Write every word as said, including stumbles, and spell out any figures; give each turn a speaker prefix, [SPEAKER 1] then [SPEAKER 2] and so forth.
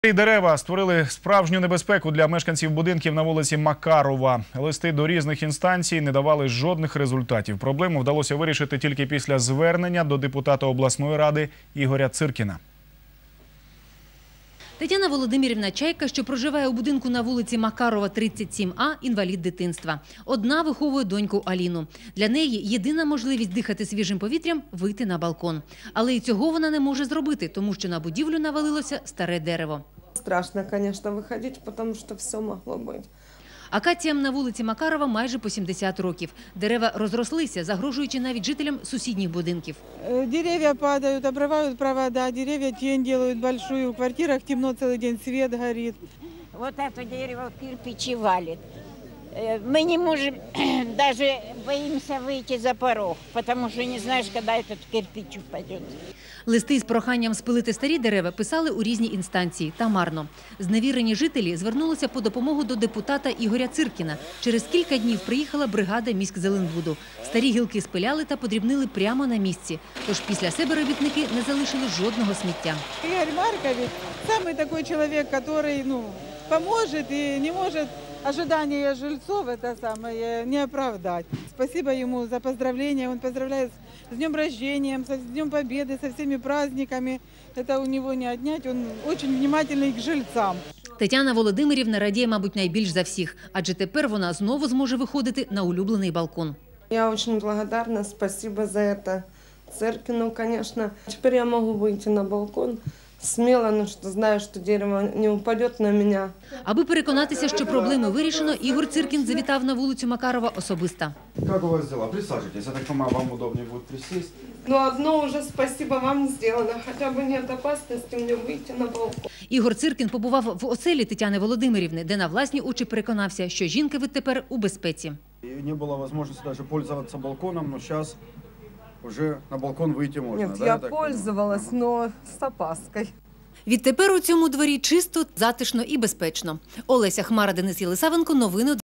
[SPEAKER 1] Дерева створили справжню небезпеку для мешканців будинків на вулиці Макарова. Листи до різних інстанцій не давали жодних результатів. Проблему вдалося вирішити тільки після звернення до депутата обласної ради Ігоря Циркіна.
[SPEAKER 2] Тетяна Володимирівна Чайка, що проживає у будинку на вулиці Макарова, тридцять сім А, інвалід дитинства. Одна виховує доньку Аліну. Для неї єдина можливість дихати свіжим повітрям – вийти на балкон. Але і цього вона не може зробити, тому що на будівлю навалилося старе дерево.
[SPEAKER 3] Страшно, звісно, виходити, тому що все могло бути.
[SPEAKER 2] Акаціям на вулиці Макарова майже по сімдесят років. Дерева розрослися, загрожуючи навіть жителям сусідніх будинків.
[SPEAKER 4] Деревья падают, обрывают провода, деревья тень делают большую, в квартирах темно целый день, свет горит.
[SPEAKER 5] Вот это дерево кирпичи валит. Мы не можем, даже боимся выйти за порог, потому что не знаешь, когда этот кирпич упадет.
[SPEAKER 2] Листи з проханням спилити старі дерева писали у різні інстанції, та марно. Зневірені жителі звернулися по допомогу до депутата Ігоря Циркіна. Через кілька днів приїхала бригада міськзеленбуду. Старі гілки спиляли та подрібнили прямо на місці. Тож після себе робітники не залишили жодного сміття.
[SPEAKER 4] Игорь Маркович – самый такой человек, который ну, поможет и не может ожидания жильцов это самое не оправдать. Спасибо ему за поздравления. Он поздравляет с днем рождения, с Днем Победы, со всеми праздниками. Это у него не отнять. Он очень внимательный к жильцам.
[SPEAKER 2] Тетяна Володимирівна радіє, мабуть, найбільш за всіх, адже тепер вона знову зможе виходити на улюблений балкон.
[SPEAKER 3] Я очень благодарна, спасибо за это Циркину, конечно. Теперь я могу выйти на балкон смело, но что знаю, что дерево не упадет на меня.
[SPEAKER 2] Аби переконатися, що проблеми вирішено, Ігор Циркін завітав на вулицю Макарова особисто.
[SPEAKER 6] Как у вас дела? Присаживайтесь. Я так понимаю, вам удобнее будет присесть.
[SPEAKER 3] Но одно уже спасибо вам сделано. Хотя бы нет опасности мне выйти на балкон.
[SPEAKER 2] Ігор Циркін побував в оселі Тетяни Володимирівни, де на власні очі переконався, що жінка відтепер у безпеці.
[SPEAKER 6] Не было возможности даже пользоваться балконом, но сейчас уже на балкон выйти можно.
[SPEAKER 7] Нет,
[SPEAKER 6] да,
[SPEAKER 7] я,
[SPEAKER 6] я
[SPEAKER 7] пользовалась, но с опаской.
[SPEAKER 2] Відтепер у цьому дворі чисто, затишно і безпечно. Олеся Хмара, Денис Єлисавенко. Новини